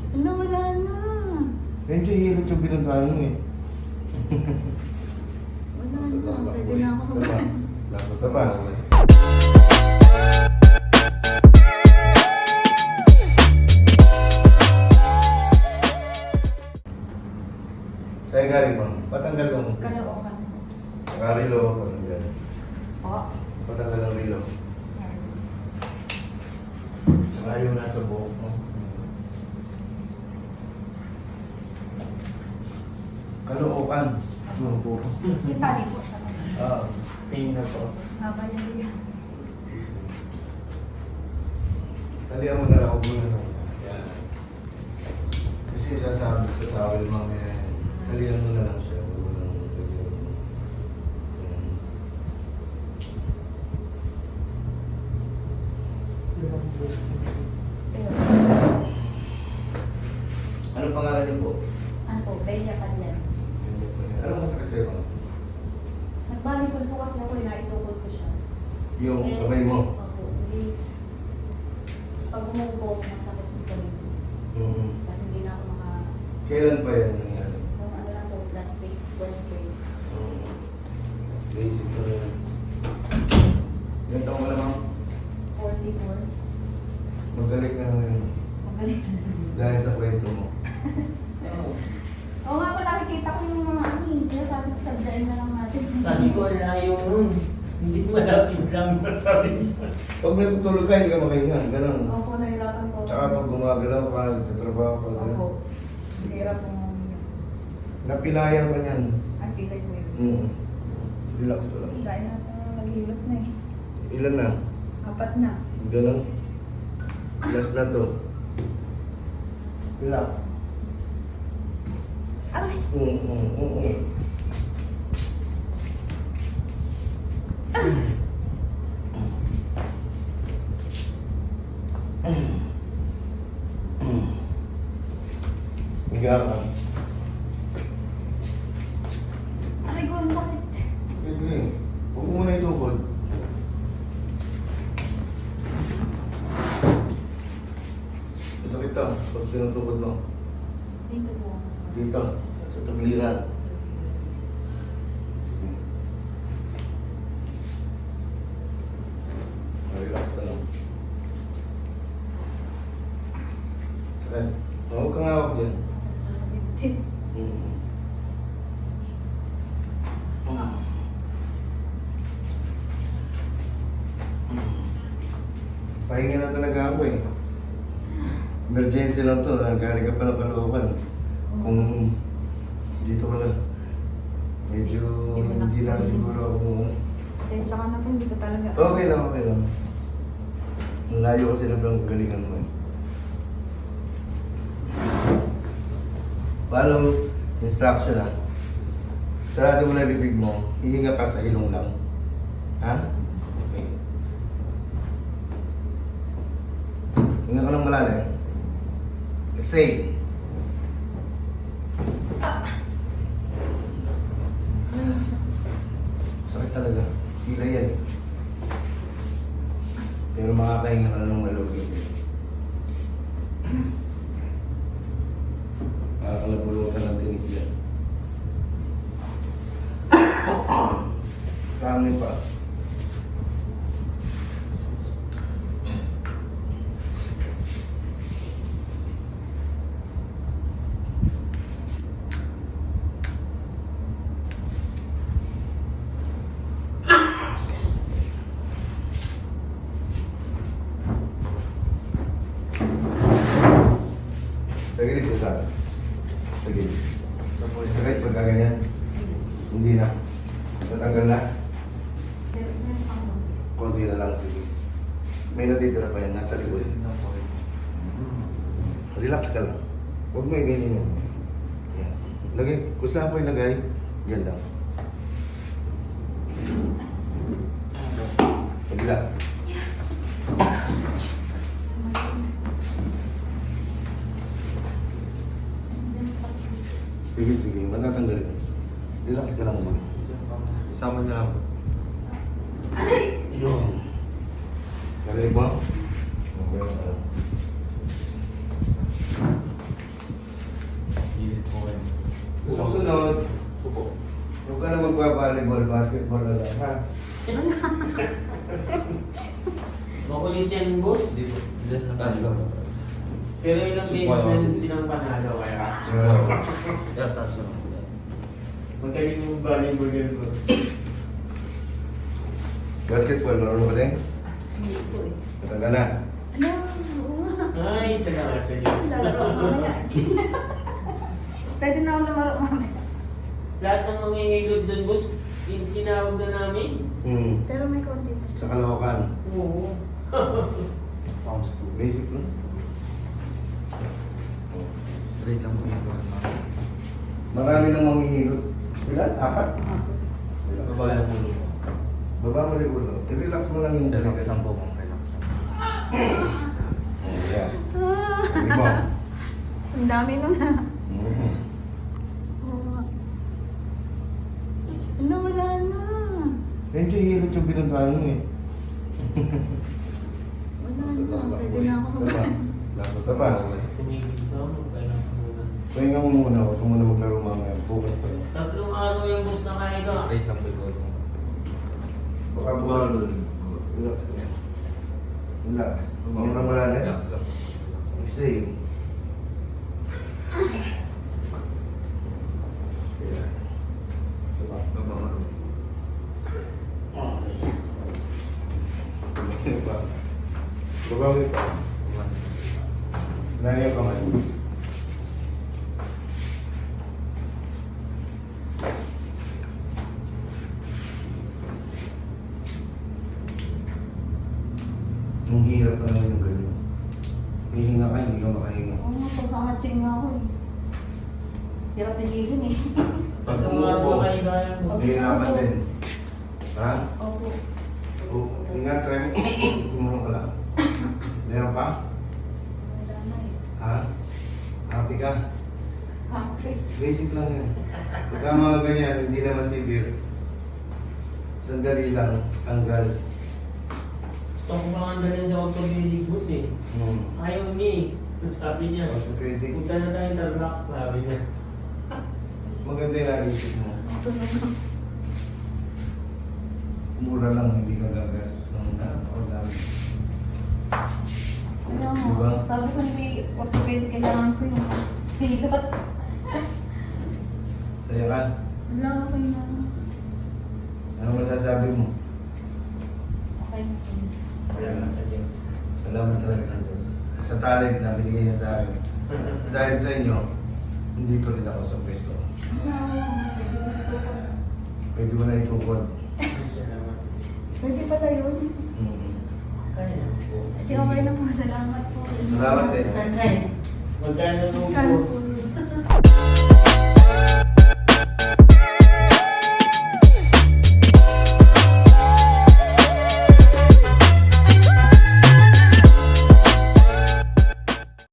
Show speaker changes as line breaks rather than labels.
Wala, wala na.
Medyo hilot yung pinuntahan mo eh.
Wala na. Pwede na ako.
Isa pa. Isa pa. Sa'yo galing mo. Patanggal mo.
Kalookan.
Karilo. Patanggal.
O.
Patanggal ang rilo. Saka yung nasa buhok mo. Kalookan. Ano po?
Yung tali po sa
Ah. Pain na to.
haba niya diyan.
Talihan mo na ako muna lang. Yan. Kasi sasabi sa towel mamaya, talihan mo na lang siya. Huwag mo lang lagyan mo. Yan.
Pero,
Ano pangalan niyo po?
ano po, Bella Kalyan.
Ano masakit sa'yo?
Nagbalipol po kasi ako, inaitukod ko siya.
Yung kamay mo?
Opo, hindi. Pag umuupo ako, masakit po sa likod.
Mm.
Kasi hindi na ako
Kailan pa yan nangyari?
yung ano lang po, last week, Wednesday.
Basic na rin. Ilan taong ka na ma'am?
44.
Magaling ka na ngayon.
Magaling.
Dahil sa kwento mo.
Oo nga po, nakikita ko yung mga ani. Kaya sabi ko, sadyain na lang natin.
Sabi ko, layo nun. Hindi malapit lang, sabi niya.
Pag natutulog ka, hindi ka makahinga. Ganun.
Opo, nahirapan po.
Tsaka pag gumagalaw ka, nagtatrabaho ka.
Opo.
Ganun.
Hirap po nga.
Napilayan ka niyan.
Ang pilay ko yun.
Relax ka lang.
Dahil na po, naghihilot na eh.
Ilan na?
4 na.
Ganun. Last na to. Relax.
Aray!
Higa ka.
Aray ko, ang sakit.
Sige, sige. Huwag mo muna itukod. Masakit to. Pag tinutukod mo.
Dito po.
Dito. Sa tagliran. Relax ka lang. Sakit. Huwag kang hawak dyan.
Sakit.
Pahinga na talaga ako eh. Emergency lang to, nagaling ka pa ng Caloocan. Kung dito ka lang, medyo hindi na siguro ako.
Sensya ka na po, hindi ko talaga.
Okay lang, okay lang. Ang layo kasi na ng galingan mo eh. Follow instruction ha. Sarado mo na bibig mo, hihinga ka sa ilong lang. Ha? Okay. Hinga ka lang malalim. Exhale. Sakit talaga. Hila yan eh. Pero makakahinga ka na ng malugin. Nakakalabunutan ng tinig yan. Kangin pa. Tagilid ko sa akin. Tagilid. Sakit pagka ganyan. Hindi na. Natanggal na.
Meron pa ako.
Konti na lang. Sige. May natitira pa yan. Nasa likod. Relax ka lang. Huwag mo i-ganyan yun. Yan. Lagay. Kung saan ko ilagay, yan lang. Pagila. Sige, sige. Matatanggal yun. Relax ka lang mo.
Isama niyo lang.
Yun. Narinig mo? Okay. volleyball, basketball na lang, ha?
Makulit yan, boss.
Hindi po. Diyan lang tayo.
Pero ilang beses na silang panalo kaya.
Kaya taas lang.
Magaling mong volleyball yan, boss.
Basketball, marunong ka din?
Hindi po eh.
Matanda na.
Ano? Oo nga.
Ay, salamat sa Diyos.
Lalaro ako mamaya. Pwede na ako lumaro mamaya.
Lahat ng mga ngilod doon, boss, tinawag na namin.
Pero may konti pa siya.
Sa Caloocan.
Oo.
Pounds po.
Basic, no?
Straight lang po yung buwan, ma'am.
Marami nang manghihilot. Ilan? Apat? Relax.
Babae lang po mo.
Baba mo rin ulo. I-relax mo lang yung
Relax lang po, ma'am. Relax lang.
Oh, yeah.
Ah,
Hindi mo.
ang dami nun ha.
Mhm.
Oo nga. Ala, wala na.
Hindi hilot yung pinuntahan mo eh.
Wala na. Pwede na ako
Isa pa.
Lakas
Isa pa.
Tumigil ka, kailangan ko muna.
Pahinga mo muna. Huwag ka muna maglaro mamaya. Bukas pa yun.
3 araw yung boss na kaya ka.
Straight lang po yung buwan, ma'am.
Baka bumalo dun. Relax ka. Relax. Mura mo lang eh.
Relax lang. Relax lang.
Exhale. Yeah. Isa pa.
Baba mo.
Iba. Baba mo pa.
Buwan.
Lagi yung kamay. Ang hirap na naman yung gano'n. Hihinga ka, hindi ka makahinga.
Oo nga, pagkakaching nga ako eh. Hirap pilihin eh.
3 araw na kaya kaya, boss.
Hihirapan din. Ha?
Opo.
Oo. Sige nga, try mo. Tumulong ka lang. Meron pa?
Wala na eh.
Ha? Happy ka?
Happy.
Basic lang yan. Pagka mga ganyan, hindi naman severe. Sandali lang, tanggal.
Gusto ko pa nga dalhin sa orthopedic, boss eh. Ayaw niya eh. Ang sabi niya,
Orthopedic.
punta na tayo Tarlac, sabi niya.
Maganda yung naisip mo.
Ito naman.
Mura lang, hindi ka gagastos ng napakadami.
Kaya nga,
Diba?
sabi ko hindi orthopedic, kailangan ko yung hilot.
Saya ka?
Wala, okay na.
Ano masasabi mo?
Okay na.
Salamat sa Diyos.
Salamat talaga sa Diyos. Sa talent na binigay niya sa akin. Dahil sa inyo, hindi pa rin ako sa pwesto.
Wala, pwede ko ito po.
Pwede mo na itukod.
Salamat.
Pwede pala yun.
Kaya po.
Kasi okay na po, salamat po.
Salamat eh.
Magkano nung
Magkano
boss?
po